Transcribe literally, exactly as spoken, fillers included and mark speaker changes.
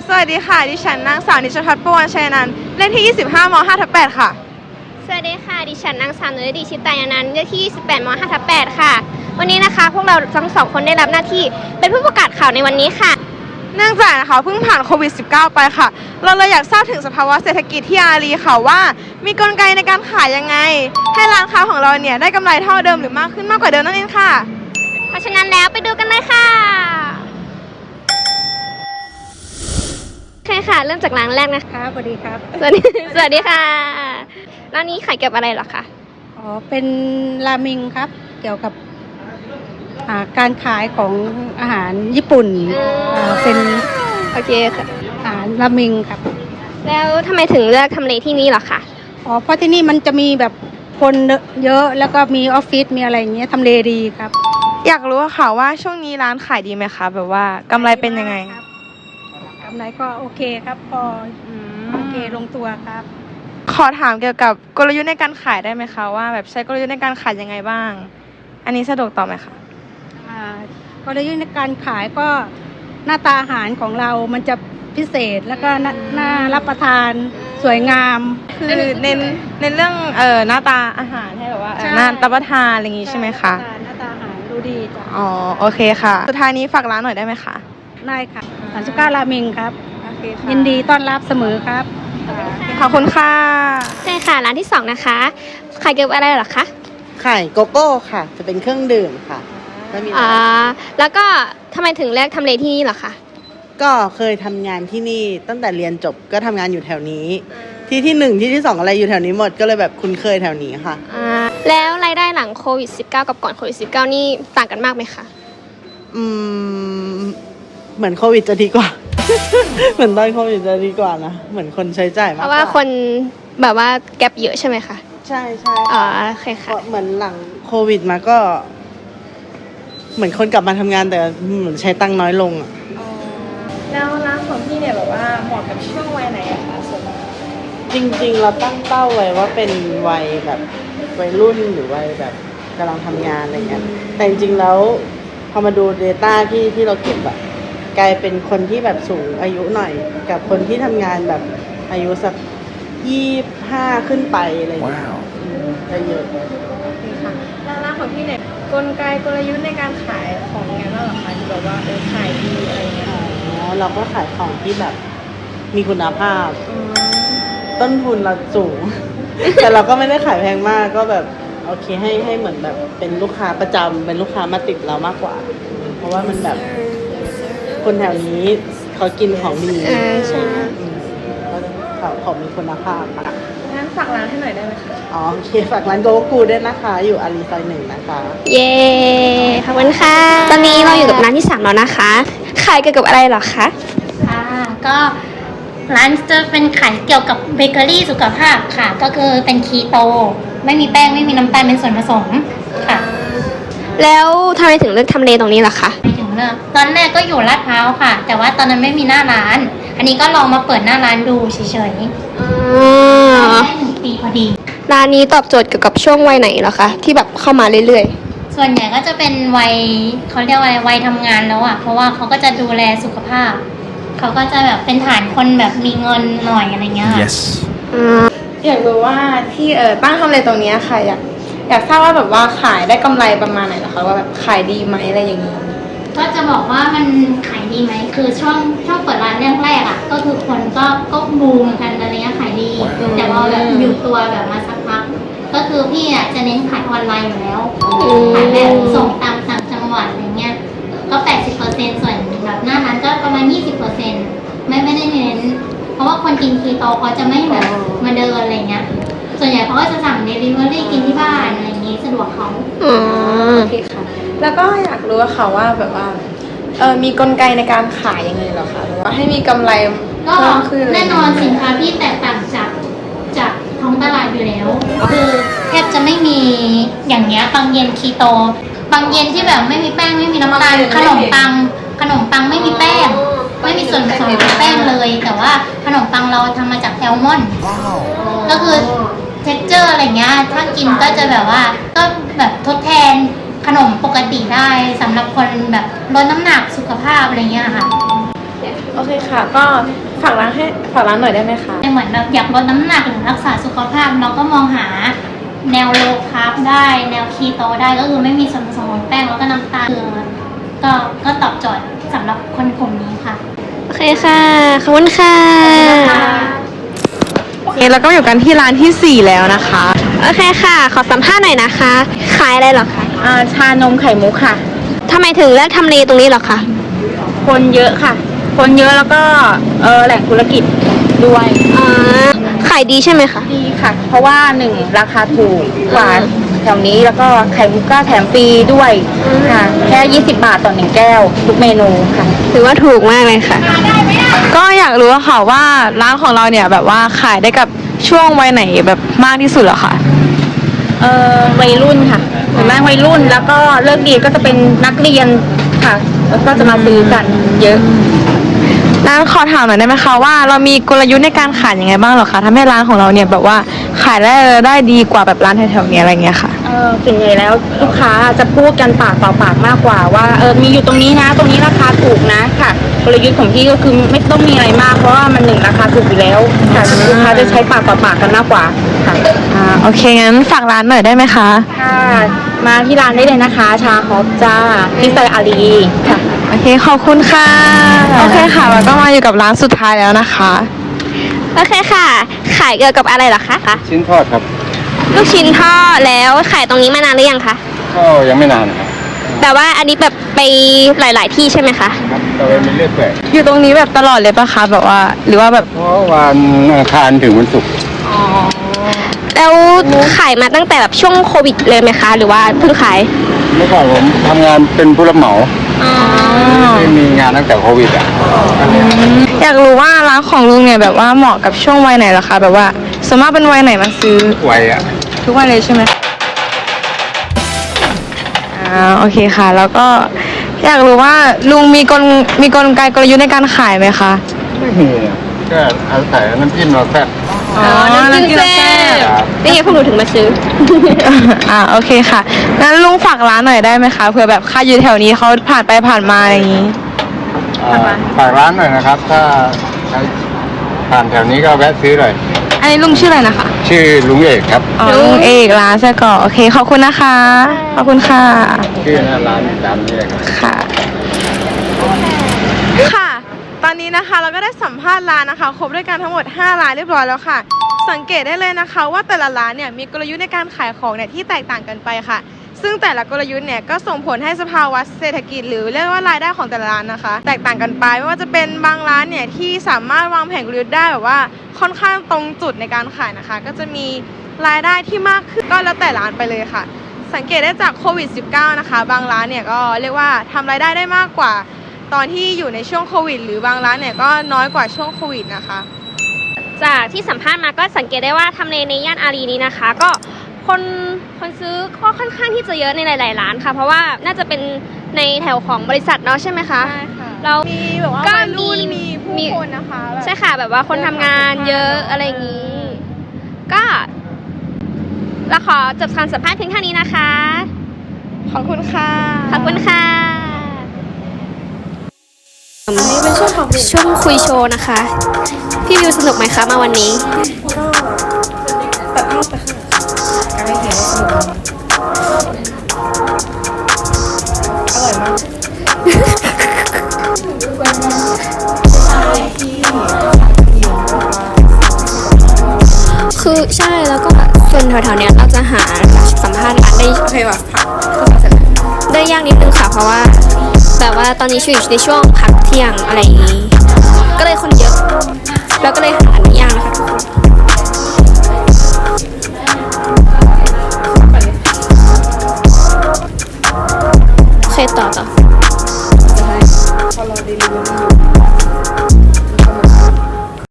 Speaker 1: สวัสดีค่ะดิฉันนางสาวนิชพัฒน์ประวันชัยนันท์เลขที่ยี่สิบห้ามห้าทับแปดค่ะ
Speaker 2: สวัสดีค่ะดิฉันนางสาวนุรดีชิตายานันท์เลขที่ยี่สิบแปดมห้าทับแปดค่ะวันนี้นะคะพวกเราทั้งสองคนได้รับหน้าที่เป็นผู้ประกาศข่าวในวันนี้ค่ะ
Speaker 1: เนื่องจากนะคะเพิ่งผ่านโควิด สิบเก้า ไปค่ะ เราเลยอยากทราบถึงสภาวะเศรษฐกิจที่อารีค่ะว่ามีกลไกในการขายยังไงให้ร้านค้าของเราเนี่ยได้กำไรเท่าเดิมหรือมากขึ้นมากกว่าเดิมนั่นเองค่ะ
Speaker 2: เพราะฉะนั้นแล้วไปดูกันเลยค่ะโอเคค่ะเริ่มจากร้านแรกนะคะ
Speaker 3: สวัสดีครับ
Speaker 2: สวัสดีสวัสดีค่ะร้านนี้ขายเกี่ยวกับอะไรหรอคะ
Speaker 3: อ๋อเป็นราเมงครับเกี่ยวกับการขายของอาหารญี่ปุ่นเป็น
Speaker 2: โอเคค่ะ
Speaker 3: อาหารราเมงครับ
Speaker 2: แล้วทำไมถึงเลือกทำเลที่นี่หรอคะ
Speaker 3: อ๋อเพราะที่นี่มันจะมีแบบคนเยอะแล้วก็มีออฟฟิศมีอะไรอย่างเงี้ยทำเลดีครับ
Speaker 1: อยากรู้ค่ะว่าช่วงนี้ร้านขายดีไหมคะแบบว่ากำไรเป็นยังไง
Speaker 3: กำไรก็โอเคครับพอโอเคลงตัวครับ
Speaker 1: ขอถามเกี่ยวกับกลยุทธ์ในการขายได้ไหมคะว่าแบบใช้กลยุทธ์ในการขายยังไงบ้างอันนี้สะดวกตอบไหมคะ
Speaker 3: กลยุทธ์ในการขายก็หน้าตาอาหารของเรามันจะพิเศษแล้วก็น่ารับประทานสวยงาม
Speaker 1: คือเน้นเน้นเรื่องเอ่อหน้าตาอาหารให้แบบว่าน่ารับประทานอะไรอย่างงี้ใช่ไหมคะ
Speaker 3: หน้าตาอาหารดูดีจ้ะ
Speaker 1: อ๋อโอเคค่ะสุดท้ายนี้ฝากร้านหน่อยได้ไหมคะ
Speaker 3: ได้ค่ะสามสิบเก้าราเมงครับยินดีต้อนรับเสมอครับ
Speaker 1: ขอบคุณค่ะ
Speaker 2: ใช่ค่ะร้านที่สองนะคะขายเกี่ยวกับอะไรหรอคะ
Speaker 4: ขายโกโก้ค่ะจะเป็นเครื่องดื่มค่ะ
Speaker 2: ไม่มีอ่าแล้วก็ทำไมถึงเลือกทำเลที่นี่หรอคะ
Speaker 4: ก็เคยทำงานที่นี่ตั้งแต่เรียนจบก็ทำงานอยู่แถวนี้ที่ที่หนึ่งที่ที่สองอะไรอยู่แถวนี้หมดก็เลยแบบคุ้นเคยแถวนี้ค่ะ
Speaker 2: อ่าแล้วรายได้หลังโควิด สิบเก้า กับก่อนโควิด สิบเก้า นี่ต่างกันมากไหมคะ
Speaker 4: อืมเหมือนโควิดจะดีกว่า เหมือนตอนโควิดจะดีกว่านะเหมือนคนใช้จ่ายมาก
Speaker 2: เพราะว่าคนแบบว่าแก็บเยอะใช่ไหมคะ
Speaker 4: ใช่ใช่
Speaker 2: อ๋อโอเคค่ะ
Speaker 4: เหมือนหลังโควิดมาก็ เหมือนคนกลับมาทำงานแต่เหมือนใช้ตังค์น้อยลงอ่ะ
Speaker 1: แล้วร้านของพี่เนี่ยแบบว่าเหมาะกับช่วงวัยไหนอะคะส่วน
Speaker 4: จริงๆเราตั้งเป้าไว้ว่าเป็นวัยแบบวัยรุ่นหรือวัยแบบกำลังทำงานอะไรเงี้ยแต่จริงๆแล้วพอมาดู Data ที่ที่เราเก็บอะกลายเป็นคนที่แบบสูงอายุหน่อยกับคนที่ทำงานแบบอายุสักยี่สิบห้าขึ้นไปอะไรอย่างเงี้ยจะเยอะ
Speaker 1: โอเคค่ะแล้วร้านของพี่เนี่ยกลไกกลยุทธ์ในการขายของยังไงบ้างเหรอคะที่แบบว่าเออขายดีอะไรเงี้ย
Speaker 4: อ๋อเราก็ขายของที่แบบมีคุณภาพต้นทุนเราสูง แต่เราก็ไม่ได้ขายแพงมากก็แบบโอเคให้ให้เหมือนแบบเป็นลูกค้าประจำเป็นลูกค้ามาติดเรามากกว่าเพราะว่ามันแบบคนแถวนี้เขากินของดี
Speaker 2: ใช่
Speaker 4: เขาของมีคุณภาพค่ะ
Speaker 1: งั้นฝากร้านให้หน่อยได้ไหมคะ
Speaker 4: อ๋อโอเคฝากร้านโกกูด้วยนะคะอยู่อารีซอยหนึ่งนะคะ
Speaker 2: เย้ขอบคุณค่ะตอนนี้เราอยู่กับร้านที่สามแล้วนะคะขายเกี่ยวกับอะไรหรอคะ
Speaker 5: ค่ะก็ร้านจะเป็นขายเกี่ยวกับเบเกอรี่สุขภาพค่ะก็คือเป็นคีโตไม่มีแป้งไม่มีน้ำตาลเป็นส่วนผสมค่ะ
Speaker 2: แล้วทำไมถึงเลือกทำเลตรงนี้ล่ะคะ
Speaker 5: ไม่ถึงเลือกตอนแรกก็อยู่ลาดพร้าวค่ะแต่ว่าตอนนั้นไม่มีหน้าร้านอันนี้ก็ลองมาเปิดหน้าร้านดูเฉยๆได้หนึ่งปีพอดี
Speaker 2: ร้านนี้ตอบโจทย์เกี่ยวกับช่วงวัยไหนเหรอคะที่แบบเข้ามาเรื่อย
Speaker 5: ๆส่วนใหญ่ก็จะเป็นวัยเขาเรียกว่าวัยทำงานแล้วอ่ะเพราะว่าเขาก็จะดูแลสุขภาพเขาก็จะแบบเป็นฐานคนแบบมีเงินหน่อยอะไรเงี้ย
Speaker 1: yes อยากรู้ว่าที่เออตั้งทำเลตรงนี้ค่ะอยากอยากทราบว่าแบบว่าขายได้กำไรประมาณไหนเหรอคะว่าแบบขายดีไหมอะไรอย่างนี้
Speaker 5: ก็จะบอกว่ามันขายดีไหมคือช่วงช่วงเปิดร้านแรกๆอ่ะก็คือคนก็ก็บูมกันอะไรเงี้ยขายดีแต่พอแบบอยู่ตัวแบบมาสักพักก็คือพี่อ่ะจะเน้นขายออนไลน์อยู่แล้วขายแบบส่งตามต่างจังหวัดอะไรเงี้ยก็ แปดสิบเปอร์เซ็นต์ ส่วนแบบหน้าร้านก็ประมาณ ยี่สิบเปอร์เซ็นต์ ไม่ไม่ได้เน้นเพราะว่าคนกินคีโตเขาจะไม่แบบมาเดินอะไรเงี้ยส่วนใหญ่เขาก็จะสั่งเดลิเวอรี่กินที่บ้านอะไรอย่างงี้สะดวกเขา
Speaker 1: อ๋อโอเคค่ะแล้วก็อยากรู้ค่ะว่าแบบว่าเออมีกลไกในการขายยังไงเหรอคะหรือว่าให้มีกำไร
Speaker 5: ก็แน่นอนสินค้าที่แตกต่างจากจากท้องตลาดอยู่แล้วคือแทบจะไม่มีอย่างเงี้ยปังเย็นคีโตปังเย็นที่แบบไม่มีแป้งไม่มีน้ำตาลขนมปังขนมปังไม่มีแป้งไม่มีส่วนผสมของแป้งเลยแต่ว่าขนมปังเราทำมาจากแอลมอนด์ก็คือเท็กเจอร์อะไรเงี้ยถ้ากินก็จะแบบว่าก็แบบทดแทนขนมปกติได้สำหรับคนแบบลดน้ำหนักสุขภาพอะไรเงี้ยค่ะ
Speaker 1: โอเคค่ะ ก็ฝากร้านให้ฝากร้านหน่อยได้ไหมคะ
Speaker 5: เหมือนแบบอยากลดน้ำหนักหรือรักษาสุขภาพเราก็มองหาแนวโลคาร์บได้แนวคีโตได้ก็คือไม่มีส่วนผสมของแป้งแล้วก็น้ำตาลก็ก็ตอบโจทย์สำหรับคนกลุ่มนี้ค่ะ
Speaker 2: โอเคค่ะ ขอบคุณค่ะ
Speaker 1: โอเคแล้วก็อยู่กันที่ร้านที่สี่แล้วนะคะ
Speaker 2: โอเคค่ะ ขอสัมภาษณ์หน่อยนะคะ ขายอะไรเหรอคะ
Speaker 6: อ่าชานมไข่มุกค่ะ
Speaker 2: ทำไมถึงเลือกทำเลตรงนี้เหรอคะ
Speaker 6: คนเยอะค่ะ คนเยอะแล้วก็เออแหล่งธุรกิจด้วย
Speaker 2: อ่า ขายดีใช่ไหมคะ
Speaker 6: ดีค่ะ เพราะว่าหนึ่งราคาถูกกว่าแถวนี้แล้วก็ไข่มุกก็แถมฟรีด้วยค่ะ แค่ยี่สิบบาทต่อหนึ่งแก้วทุกเมนูค่ะ
Speaker 2: ถือว่าถูกมากเลยค่ะ
Speaker 1: ก็อยากรู้อะค่ะว่าร้านของเราเนี่ยแบบว่าขายได้กับช่วงวัยไหนแบบมากที่สุดเหรอคะ
Speaker 6: เออวัยรุ่นค่ะส่วนมากวัยรุ่นแล้วก็เลิกดีก็จะเป็นนักเรียนค่ะ แล้วก็จะมาซื้อกันเยอะ
Speaker 1: ร้านขอถามหน่อยได้ไหมคะว่าเรามีกลยุทธ์ในการขายยังไงบ้างเหรอคะทำให้ร้านของเราเนี่ยแบบว่าขายได้ได้ดีกว่าแบบร้านแถวๆนี้อะไรเงี้ยค่ะ
Speaker 6: เออส่วนใหญ่แล้วลูกค้าจะพูดกันปากต่อปากมากกว่าว่าเออมีอยู่ตรงนี้นะ ตรงนี้ราคาถูกนะค่ะกลยุทธ์ของพี่ก็คือไม่ต้องมีอะไรมากเพราะว่ามันหนึ่งราคาถูกอยู่แล้วค่ะลูกค้าจะใช้ปากต่อปากกันมากกว่าค่ะ
Speaker 1: อ่าโอเคงั้นฝากร้านหน่อยได้ไหมคะ
Speaker 6: ค่ะมาที่ร้านได้เลยนะคะ ชาฮอปจ้าที่ซอยอารีค่ะ
Speaker 1: โอเคขอบคุณค่ะโอเคค่ะแล้วก็มาอยู่กับร้านสุดท้ายแล้วนะคะ
Speaker 2: โอเคค่ะ ขายเกี่ยวกับอะไรเหรอคะ
Speaker 7: ชิ้นทอดครับ
Speaker 2: ลูกชิ้นทอดแล้วขายตรงนี้มานานหรือยังคะ
Speaker 7: ก็ยังไม่นานครับ
Speaker 2: แต่ว่าอันนี้แบบไปหลาย ๆ ที่ใช่ไหมคะ
Speaker 7: ครับแต่ว่ามันเรื่อยเปื่อย
Speaker 1: อยู่ตรงนี้แบบตลอดเลยปะคะแบบว่าหรือว่าแบบ
Speaker 7: เพราะวันอังคารถึงวันศุกร์
Speaker 2: แล้วขายมาตั้งแต่แบบช่วงโควิดเลยไหมคะ หรือว่าเพิ่งขาย
Speaker 7: เมื่อก่อนผมทำงานเป็นผู้รับเหมาไม่มีงานตั้งแต่โควิดอ่ะ
Speaker 1: อยากรู้ว่าร้านของลุงเนี่ยแบบว่าเหมาะกับช่วงวัยไหนเหรอคะแบบว่าส่วนมากเป็นวัยไหนมาซื้อ
Speaker 7: ไวอ่ะ
Speaker 1: ทุกวันเลยใช่ไหมอ่าโอเคค่ะ แล้วก็อยากรู้ว่าลุงมีกลมีกลไกกลยุทธ์ในการขายไหมคะ
Speaker 7: ไม่มีอะก็อาศัยน้ำจิ้มเราแซ่บ
Speaker 1: อ๋อน้ำจิ้มแซ่บ
Speaker 7: ครับ
Speaker 2: นี่ไงพวกหนูถึงมาซื้อ
Speaker 1: อ่าโอเคค่ะงั้นลุงฝากร้านหน่อยได้ไหมคะเผื่อแบบใครอยู่แถวนี้เขาผ่านไปผ่านมาอย่างนี้
Speaker 7: อ่าฝากร้านหน่อยนะครับ ถ้าใครผ่านแถวนี้ก็แวะซื้อหน่อย
Speaker 1: อันนี้ลุงชื่ออะไรนะคะ
Speaker 7: ชื่อลุงเอกครับ
Speaker 1: อ๋อลุงเอกร้านไส้กรอกโอเคขอบคุณนะคะขอบคุณค่ะ
Speaker 7: ชื่อหน้าร้านตามนี้เลยครับ
Speaker 1: ค่ะ ค่ะ ตอนนี้นะคะเราก็ได้สัมภาษณ์ร้านนะคะ ครบด้วยกันทั้งหมดห้าร้านเรียบร้อยแล้วค่ะ สังเกตได้เลยนะคะว่าแต่ละร้านเนี่ยมีกลยุทธ์ในการขายของเนี่ยที่แตกต่างกันไปค่ะ ซึ่งแต่ละกลยุทธ์เนี่ยก็ส่งผลให้สภาวะเศรษฐกิจหรือเรียกว่ารายได้ของแต่ละร้านนะคะ แตกต่างกันไปไม่ว่าจะเป็นบางร้านเนี่ยที่สามารถวางแผนกลยุทธ์ได้แบบว่าค่อนข้างตรงจุดในการขายนะคะ ก็จะมีรายได้ที่มากขึ้นก็แล้วแต่ร้านไปเลยค่ะ สังเกตได้จากโควิด สิบเก้า นะคะ บางร้านเนี่ยก็เรียกว่าทำรายได้ได้มากกว่า ตอนที่อยู่ในช่วงโควิด หรือบางร้านเนี่ยก็น้อยกว่าช่วงโควิดนะคะ
Speaker 2: จากที่สัมภาษณ์มาก็สังเกตได้ว่าทำเลในย่านอารีนี้นะคะ ก็คนคนซื้อก็ค่อนข้างที่จะเยอะในหลาย ๆ ร้านค่ะ เพราะว่าน่าจะเป็นในแถวของบริษัทเนาะใช่ไหมคะ
Speaker 1: ใช่ค่ะ
Speaker 2: เรา
Speaker 1: มีแบบว่า
Speaker 2: ก็
Speaker 1: วัยรุ่น
Speaker 2: มี
Speaker 1: มีผู้คนนะคะแบบ
Speaker 2: ใช่ค่ะ แบบว่าคนทำงานเยอะอะไรอย่างนี้ ก็เราขอจบการสัมภาษณ์เพียงเท่านี้นะคะ
Speaker 1: ขอบคุณค่ะ
Speaker 2: ขอบคุณค่ะ
Speaker 1: อันนี้เป็นช่วงของ
Speaker 2: ช่วงคุยโชว์นะคะ พี่วิวสนุกไหมคะมาวันนี้
Speaker 1: ตัดภาพไปค่ะการให้เห็นว่าสนุกอร่อยมาก
Speaker 2: คือใช่แล้วก็ส่วนแถวๆเนี้ยเราจะหาสัมภาษณ์ร้านได้
Speaker 1: โอเคว่ะผัก
Speaker 2: ได้ยากนิดนึงค่ะ เพราะว่าแบบว่าตอนนี้อยู่ในช่วงพักเที่ยงอะไรอย่างนี้ ก็เลยคนเยอะ แล้วก็เลยหา